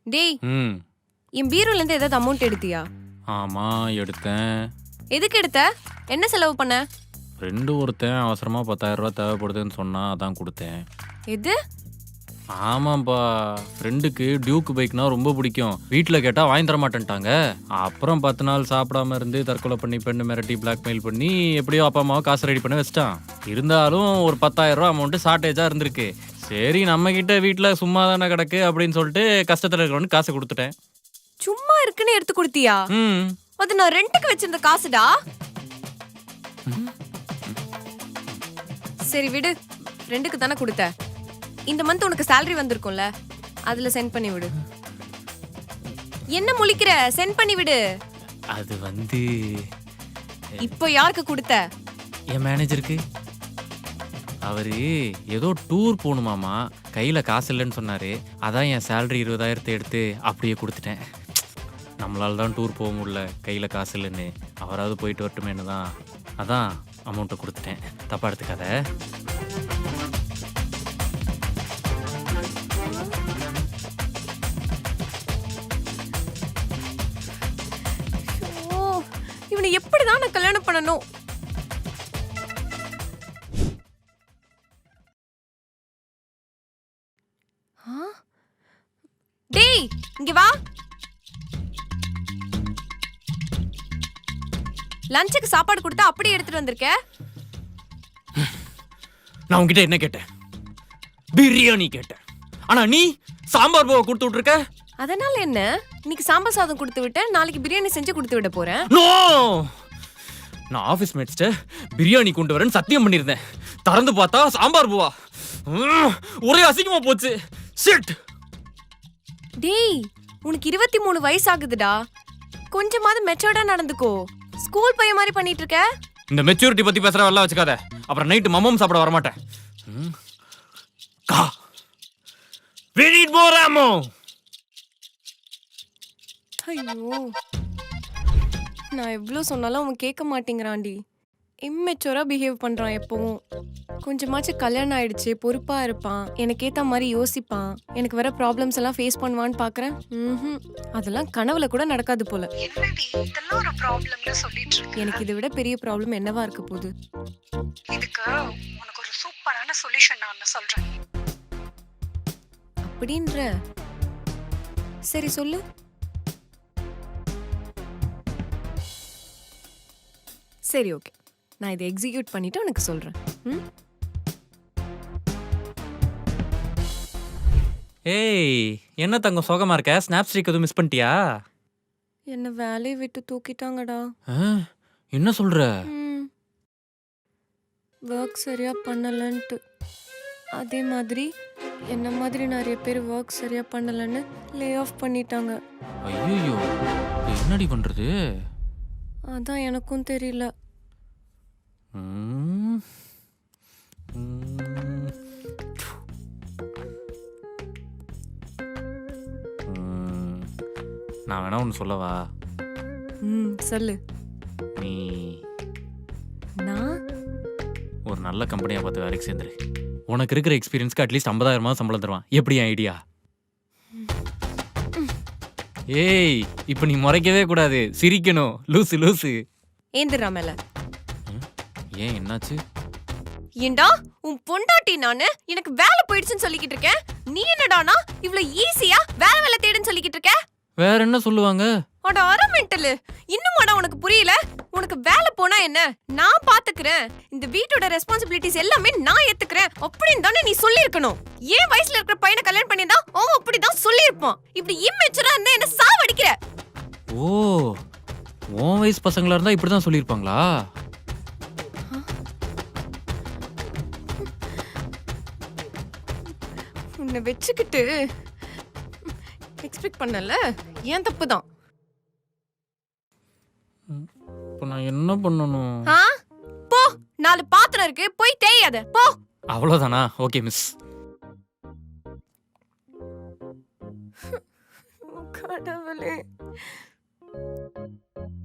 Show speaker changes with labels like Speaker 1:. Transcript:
Speaker 1: டேய்,
Speaker 2: ம்
Speaker 1: என் பீரோல இருந்து ஏதாவது அமௌண்ட் எடுத்தியா?
Speaker 2: ஆமா எடுத்தேன்.
Speaker 1: எதுக்கு எடுத்த? என்ன செலவு பண்ண?
Speaker 2: ஃப்ரெண்டு ஒருத்தன் அவசரமா 10,000 ரூபாய் தேவைப்படுதுன்னு சொன்னா அதான் கொடுத்தேன்.
Speaker 1: எது?
Speaker 2: ஆமாப்பா, ஃப்ரெண்டுக்கு டியூக் பைக்னா ரொம்ப பிடிக்கும். வீட்டில் கேட்டால் வாங்கி தர மாட்டேன்ட்டாங்க. அப்புறம் 10 நாள் சாப்பிடாம இருந்து தற்கொலை பண்ணி பெண்ணு மிரட்டி பிளாக்மெயில் பண்ணி எப்படியோ அப்பா அம்மாவை காசு ரெடி பண்ண வச்சிட்டான். இருந்தாலும் ஒரு 10,000 ரூபா அமௌண்ட்டு ஷார்ட்டேஜாக இருந்திருக்கு. சரி நம்ம கிட்ட வீட்டில் சும்மா தானே கிடக்கு அப்படின்னு சொல்லிட்டு கஷ்டத்தில் இருக்கிறவனுக்கு காசு கொடுத்துட்டேன்.
Speaker 1: சும்மா இருக்குன்னு எடுத்து கொடுத்தியா?
Speaker 2: ம்
Speaker 1: அது நான் ரெண்டுக்கு வச்சிருந்த காசுடா. சரி விடு, ரெண்டுக்கு தானே கொடுத்த. இந்த மந்த் உனக்கு salary வந்திருக்கும்ல, அதுல சென்ட் பண்ணி விடு. என்ன முழிக்கிற? சென்ட் பண்ணி விடு.
Speaker 2: அது வந்து
Speaker 1: இப்போ யாருக்கு கொடுத்த?
Speaker 2: என் மேனேஜருக்கு. அவரு ஏதோ டூர் போகணுமாமா, கையில் காசு இல்லைன்னு சொன்னார். அதான் என் சேலரி 20,000 எடுத்து அப்படியே கொடுத்துட்டேன். நம்மளால தான் டூர் போக முடியல, கையில் காசு இல்லைன்னு. அவராவது போயிட்டு வரட்டுமேனு தான் அதான் அமௌண்ட்டை கொடுத்துட்டேன். தப்பா எடுத்துக்காத.
Speaker 1: ஓ, இவனை எப்படிதான் நான் கல்யாணம் பண்ணணும்? டேய், இங்க வா. லஞ்சுக்கு சாப்பாடு கொடுத்தா அப்படியே எடுத்துட்டு வந்திருக்க.
Speaker 2: நான் உங்ககிட்ட என்ன கேட்டேன்? பிரியாணி கேட்டேன். ஆனா நீ சாம்பார் போக கொடுத்து விட்டுருக்க.
Speaker 1: அதனால என்ன? இன்னைக்கு சாம்பார் சாதம் கொடுத்து விட்டேன், நாளைக்கு பிரியாணி செஞ்சு கொடுத்து விட போறேன்.
Speaker 2: நோ, நான் ஆபீஸ் மேட்ஸ்ட பிரியாணி கொண்டு வரேன்னு சத்தியம் பண்ணியிருந்தேன். திறந்து பார்த்தா சாம்பார் பூவா. ஒரே அசிங்கமா போச்சு. ஷிட்.
Speaker 1: டேய், உனக்கு 23 வயசு ஆகுதுடா. கொஞ்சமாவது மெச்சூர்டா நடந்துக்கோ. ஸ்கூல் பையன் மாதிரி பண்ணிட்டு இருக்க.
Speaker 2: இந்த மெச்சூரிட்டி பத்தி பேசுற வரலாம் வச்சுக்காத. அப்புறம் நைட்டு மம்மம் சாப்பிட வர மாட்டேன். கா we need more ammo.
Speaker 1: ஐயோ, நான் எவ்வளோ சொன்னாலும் அவன் கேட்க மாட்டேங்கிறான்டி. இம்மெச்சூரா பிஹேவ் பண்றான் எப்பவும். கொஞ்சமாச்சும் கல்யாணம் ஆயிடுச்சு, பொறுப்பா இருப்பான், எனக்கு ஏத்த மாதிரி யோசிப்பான், எனக்கு வர ப்ராப்ளம்ஸ் எல்லாம் ஃபேஸ் பண்ணுவான்னு பாக்குறேன். அதெல்லாம் கனவுல கூட நடக்காது போல.
Speaker 3: என்னடி இதெல்லாம் ஒரு ப்ராப்ளம்னு சொல்லிட்டு இருக்க?
Speaker 1: எனக்கு இதை விட பெரிய ப்ராப்ளம் என்னவா இருக்க போகுது?
Speaker 3: இதுக்கு உனக்கு ஒரு சூப்பரான சொல்யூஷன் நான் சொல்றேன்.
Speaker 1: அப்படின்ற? சரி சொல்லு. சரி ஓகே, நான் இதை எக்ஸிக்யூட் பண்ணிட்டு உனக்கு சொல்றேன்.
Speaker 2: ஏய், என்ன தங்கம் சோகமா இருக்க? ஸ்னாப் ஸ்ட்ரீக் எதுவும் மிஸ் பண்ணிட்டியா?
Speaker 1: என்ன வேலையை விட்டு தூக்கிட்டாங்கடா.
Speaker 2: என்ன சொல்ற?
Speaker 1: ஒர்க் சரியா பண்ணலன்ட்டு. அதே மாதிரி என்ன மாதிரி நிறைய பேர் ஒர்க் சரியா பண்ணலன்னு லே ஆஃப் பண்ணிட்டாங்க.
Speaker 2: ஐயோ, என்னடி பண்றது?
Speaker 1: அதான் எனக்கும் தெரியல.
Speaker 2: நான் வேணா ஒன்று சொல்லவா?
Speaker 1: சொல்லு.
Speaker 2: நீ
Speaker 1: நான்
Speaker 2: ஒரு நல்ல கம்பெனியாக பார்த்து வேலைக்கு சேர்ந்துரு. உனக்கு இருக்கிற எக்ஸ்பீரியன்ஸ்க்கு அட்லீஸ்ட் 50,000 சம்பளம் தருவான். எப்படி ஐடியா? ஏய், இப்போ நீ முறைக்கவே கூடாது, சிரிக்கணும். லூசு லூசு.
Speaker 1: ஏந்திரா மேல.
Speaker 2: ஏன் என்னாச்சு?
Speaker 1: ஏண்டா உன் பொண்டாட்டி நானு எனக்கு வேலை போயிடுச்சுன்னு சொல்லிக்கிட்டு இருக்கேன். நீ என்னடானா இவ்வளவு ஈஸியா வேலை தேடுன்னு சொல்லிக்கிட்டு இருக்க?
Speaker 2: வேற என்ன சொல்லுவாங்க?
Speaker 1: அட அரை மெண்டலு, இன்னுமாடா உனக்கு புரியல? உனக்கு வேலை போனா என்ன, நான் பாத்துக்கிறேன், இந்த வீட்டோட ரெஸ்பான்சிபிலிட்டிஸ் எல்லாமே நான் ஏத்துக்கிறேன் அப்படின்னு தானே நீ சொல்லியிருக்கணும். ஏன் வயசுல இருக்கிற பையனை கல்யாணம் பண்ணியிருந்தா அவன் அப்படிதான் சொல்லியிருப்பான். இப்படி இம்மெச்சூரா இருந்தா என்ன சாவடிக்கிற?
Speaker 2: ஓ, உன் வயசு பசங்களா இருந்தா இப்படிதான் சொல்லியிருப்பாங்களா?
Speaker 1: உன்னை வச்சுக்கிட்டு எக்ஸ்பெக்ட் பண்ணல, ஏன் தப்பு தான்.
Speaker 2: இப்போ நான் என்ன பண்ணணும்?
Speaker 1: போ, 4 பாத்திரம் இருக்கு, போய் தேயாத போ.
Speaker 2: அவ்வளவுதானா? Okay miss.
Speaker 1: கடவுளே.